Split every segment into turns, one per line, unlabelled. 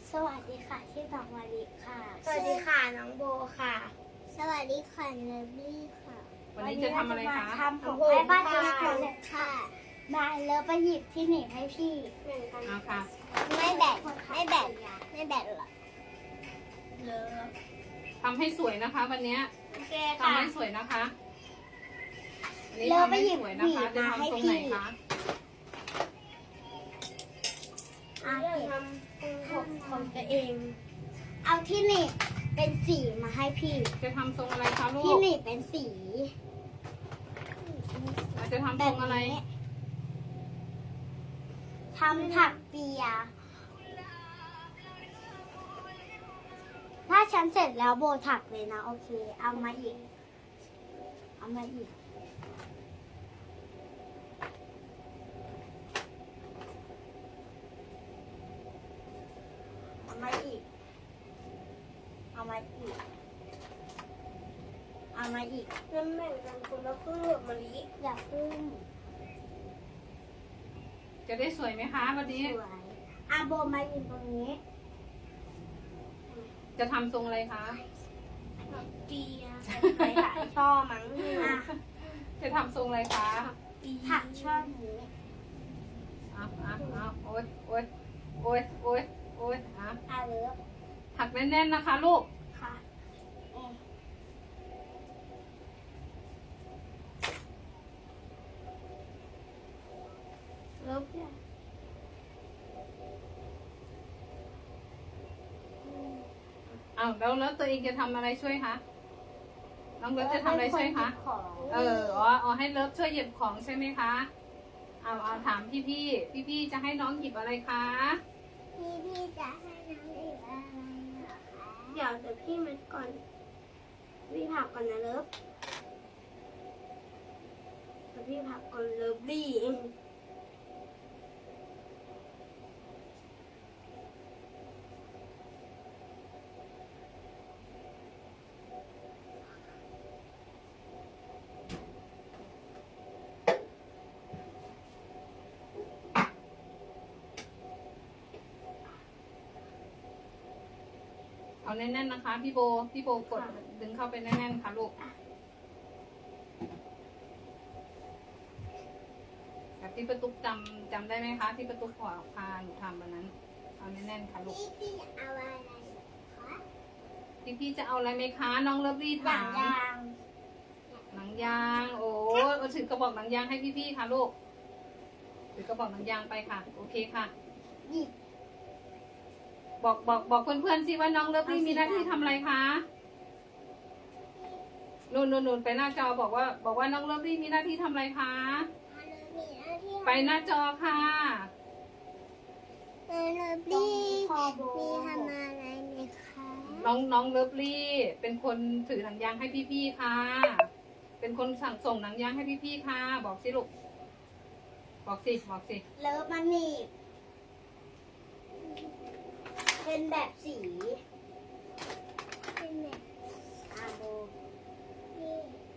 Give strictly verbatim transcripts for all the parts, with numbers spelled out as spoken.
สวัสดีค่ะชื่อน้องมาริค่ะ
สวัสดีค่ะน้องโบค่ะ
สวัสดีค่ะเนบลี่ค่ะ
วันนี้จะทำอะไรคะ
ทำผมให้บ้านเล็กๆเลยค่ะมาแล้วไปหยิบที่หนีบให้พี่
เหมือนกัน
เอาค่ะ
ไม่แบกไม่แบกไม่แบกหรอก
เลิฟ
ทำให้สวยนะคะ วันนี้
โอเค
ทำ
ค่ะ
ให้สวยนะคะวันนี้
แล้ว
ทำ
ไป
ให้
หยิบ
สวย
ห
นะ
นี
คะ
บ
จะ
มาให้
ทำตรงไหน
พี่
คะ
อ่ะ
เรื่องทำของของตัวเอง
เอาที่หนีบเป็นสีมาให้พี่
จะทำทรงอะไรคะลู
ที่
ก
หนีบเป็นสี
เราจะทำ
แบ
ทร
บ
งอะไร
นี้ทำถักเปีย ถ้าฉันเสร็จแล้วโบถักเลยนะ โอเค เอามาอีก เอามาอีก เอามาอีก เอามาอีก เอามาอีก
น้ำแบ่งกันคนละครึ่งกับมะลิ
อย่าพึ่ง
จะได้สวยไหมคะวันนี้
สวยอาโบมายืนตรงนี้
จะทำทรงอะไรคะ
เปียไปหลายช่อมั้ง
อ่ะ
จะทำทรงอะไรคะ
ปี
ถักช่อนี้
เอาเอาเอาโอ๊ยโอ๊ยโอ๊ยโอ๊ยโอ๊ยอ่ะ
อาเลิฟ
ถักแน่นๆนะคะ ลูก
ค่ะเอ๊ะ
เลิฟเนี่ย
เอาแล้วแล้วตัวเองจะทำอะไรช่วยคะ น้องเลิฟจะทำอะไรช่วยคะ
ของ
เอออ๋ออ๋อให้เลิฟช่วยหยิบของใช่ไหมคะ เอาเอาถามพี่พี่พี่พี่ๆจะให้น้องหยิบอะไรคะ
พี่พี่จะให้น้องอีกอะไรเหรอคะ
เดี๋ยวเดี๋ยวพี่มันก่อนพี่ผักก่อนนะเลิฟเดี๋ยวพี่ผักก่อนเลิฟลี่เอง
เอาแน่นๆนะคะ พี่โบ พี่โบกดดึงเข้าไปแน่นๆค่ะลูกแบบที่ประตุกจำจำได้ไหมคะ ที่ประตุกขอพาหนูทำวันนั้น เอาแน่นๆค่ะลูก
พี่พี่เอาอะไรเหรอคะ
พี่พี่จะเอาอะไรไหมคะ น้องเลิฟลี่
หนั
ถาง ม
ยาง
หนังยาง โอ้เอาถือกระบอกหนังยางให้พี่พี่ๆค่ะลูก ถือกระบอกหนังยางไปค่ะ โอเคค่ะ
หยิบ
บอกบอกบอกเพื่อนๆสิว่าน้องเลิฟลี่มีหน้าที่ทำอะไรคะนูนนูนนูนไปหน้าจอบอกว่า บอกว่าน้องเลิฟลี่มีหน้าที่ทำอะไรคะ
มาเลยมีหน้าที่
ไปหน้าจอค่ะ
เออเลิฟลี่มีทำอะไรไหมคะ
น้องน้องเลิฟลี่เป็นคนถือหนังยางให้พี่ๆค่ะ เป็นคนสั่งส่งหนังยางให้พี่ๆค่ะ บอกสิลูก บอกสิบอกสิ
เลิฟมันหนีบเป็นแบบสีเป็นแบบอาโบนี่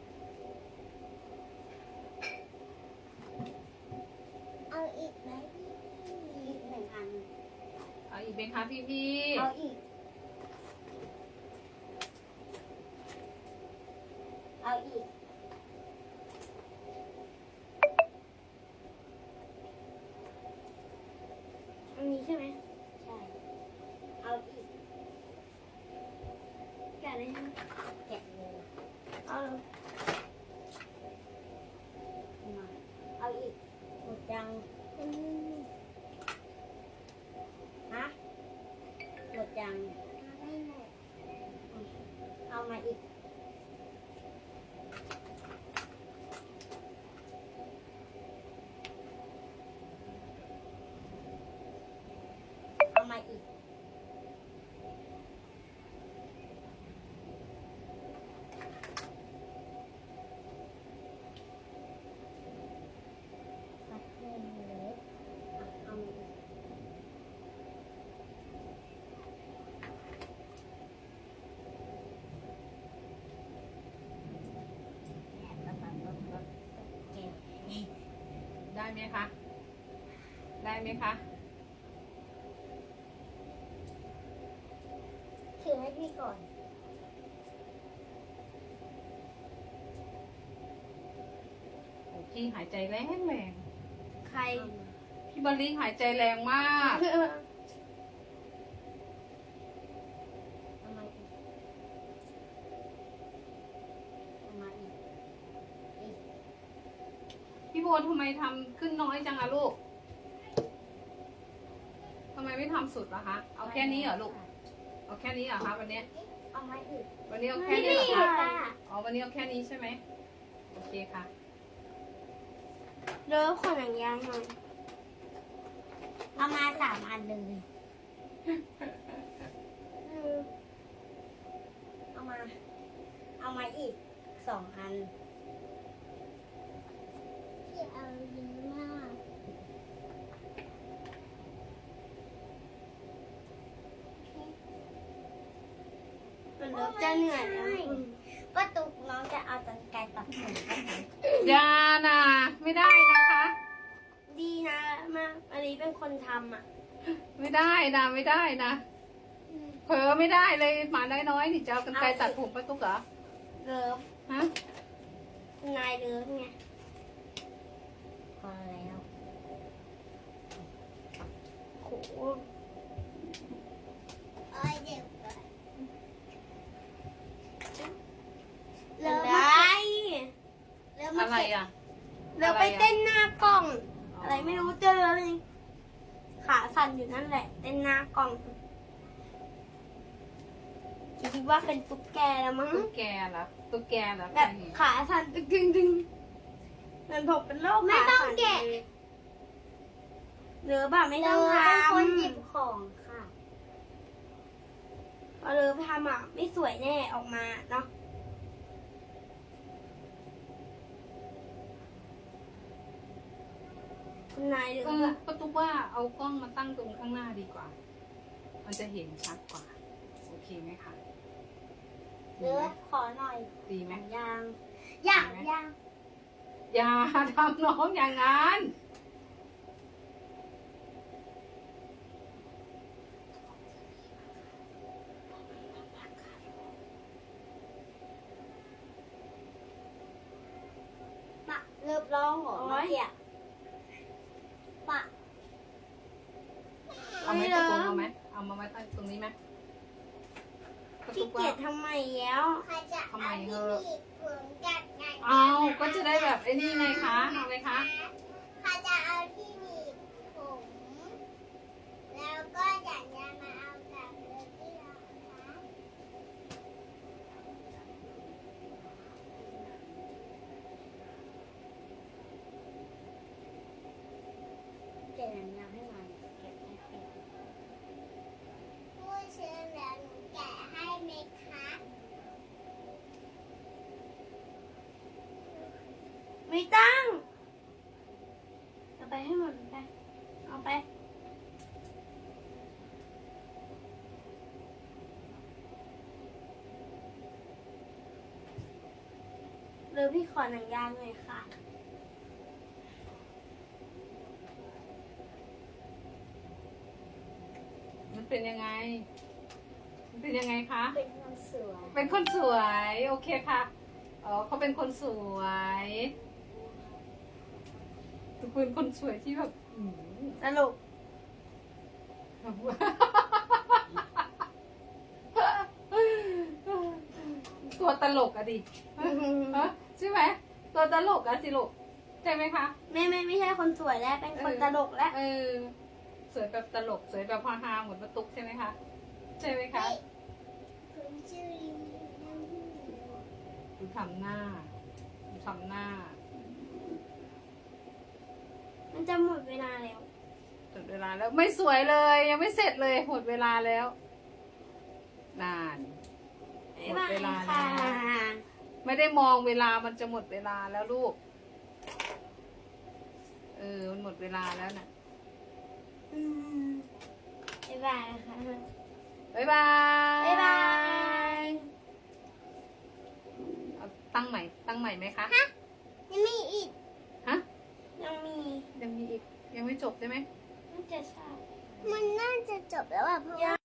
เอาอีกไหมอีกหนึ่งอัน
เอาอีกไหมคะพี่
เอาอีก เอาอีก
อันนี้ใช่ไหม
ใช่ เอาอีก
แกะเลยใช่ไหม
แกะเลย
เอาเลย
มาเอาอีกหมดยัง
อืม
ฮะหมดยังเอามาอีก เอามาอีก ตัดเพิ่มเลยอ่ะเอามาอีก
ได้ไหมคะ ได้ไหมคะ
ให้พี่ก่อน
โอ้พี่หายใจแรงแรง
ใคร
พี่บอลลี่หายใจแรงมาก
เอามาอีกเอามาอีกอีก
พี่โบทำไมทำขึ้นน้อยจังอะลูกทำไมไม่ทำสุดล่ะคะ เอาแค่นี้เหรอลูก เอาแค่นี้เหรอคะวันนี้
เอามาอีก
วันนี้เอาแค่
ไม่
นี้
ได้
เหรอคะ
ค่ะ
อ๋อวันนี้เอาแค่นี้ใช่ไหมโอเคค่ะ
เลิฟขอหนังยางหน่อย
เอามาสามอันเลย เอามา เอามาอีกสองอันพี่เอาเยอะมาก
มันเลิฟจะเหนื่อยแล้ว
ป้าตุ๊กน้องจะเอาตังไกรตัดผมกันไหม
อย่านะไม่ได้นะคะ
ดีนะมากอันนี้เป็นคนทำอ่ะ
ไม่ได้นะไม่ได้นะเผลอไม่ได้เลยหมาน้อยๆนี่จะเอากันไกรตัดผมป้าตุ๊กเหรอ
เลิฟ
ฮะ
นายเลิฟไง
พอแล้ว
โห
เอ้ยเดี๋ยวก่อน
เลิฟ
มา
ได้
เริ่มมา
อะไร
เก็บ
อ่ะ
เลิฟไปเต้นหน้ากล้อง อะไรไม่รู้เจอเลยขาสั่นอยู่นั่นแหละ เต้นหน้ากล้องคิดว่าเป็นตุ๊กแกแล้วมั้ง
ตุ๊กแกเหรอตุ๊กแกเหรอ
แบบขาสั่นตึงตึงตึงเหมือนผมเป็นโรค
ไม่
ขา
ต้อง
สั่น
แกะ
หรือแบบไม่ต้องท
เป็นคนหยิบ
ำ
ของค่ะ
พอเลิฟทำอ่ะ ไม่สวยแน่ออกมาเนาะคุณนายหรือ
เออ
ว่า
ป้าตุ๊กว่าเอากล้องมาตั้งตรงข้างหน้าดีกว่า มันจะเห็นชัดกว่า โอเคไหมคะ
เลือขอหน่อย
ดีไหม
ยางอยากยาง
อย่าทำน้องอย่างนั้น
ปะเลิบร้องเหรอเมื่อกี้อะปะ
เอาไหมตกลงเอาไหมเอามาไว้ตั้งตรงนี้ไหมป้า
ขี้
ตุ๊ก
เกี
ว่าย
จทำไมแล้ว
ใครจะ
ทำไม
เอา
เถ
ที่
อะ
หนีบผมจัดงาน
เอาก็จะได้แบบไอ้นี่ไงคะเอาไหมคะ
ใครจะเอาที่หนีบผม แล้วก็อยากจะมาเอากับเรือที่เราคะเก็บหนังยางให้มันเก็บให้เก็บผู้ซื้อแล้วหนูแกะให้ไหมคะ
ไม่ตั้งเอาไปให้หมดไปเอาไปหรือพี่ขอหนังยางหน่อยค่ะ
มันเป็นยังไง มันเป็นยังไงคะ
เป็นคนสวย
เป็นคนสวย โอเคค่ะ อ๋อเขาเป็นคนสวยเป็นคนสวยที่แบบอืม
สรุป
ตัวตลกอะดิฮะใช่ไหมตัวตลกอะสิลูกใช่ไหมคะ
ไม่ไม่ไม่ใช่คนสวยแล้วเป็นคนตลกแล้ว
เออ สวยแบบตลก สวยแบบฮาๆเหมือนประตุกใช่ไหมคะ ใช่ไหมคะ
คุณชื่อลิงนั่งที่ไหน
ดูทำหน้าดูทำหน้า
มันจะหมดเวลาแล้ว
หมดเวลาแล้วไม่สวยเลยยังไม่เสร็จเลยหมดเวลาแล้ว นาน หมดเวลา
ค่ะ
แล้ว ไม่ได้มองเวลามันจะหมดเวลาแล้วลูก เออ มันหมดเวลาแล้วน่ะ
อืมบ๊ายบายค่ะ
บ๊ายบาย
บ๊ายบาย
เอาตั้งใหม่ ตั้งใหม่ไหมคะ
ยังมีอีก
ฮะ
ยังมี
ยังมีอีก ยังไม่จบใช่ไหม
มันจะใช่
มันน่าจะจบแล้วอ่ะเพราะว่า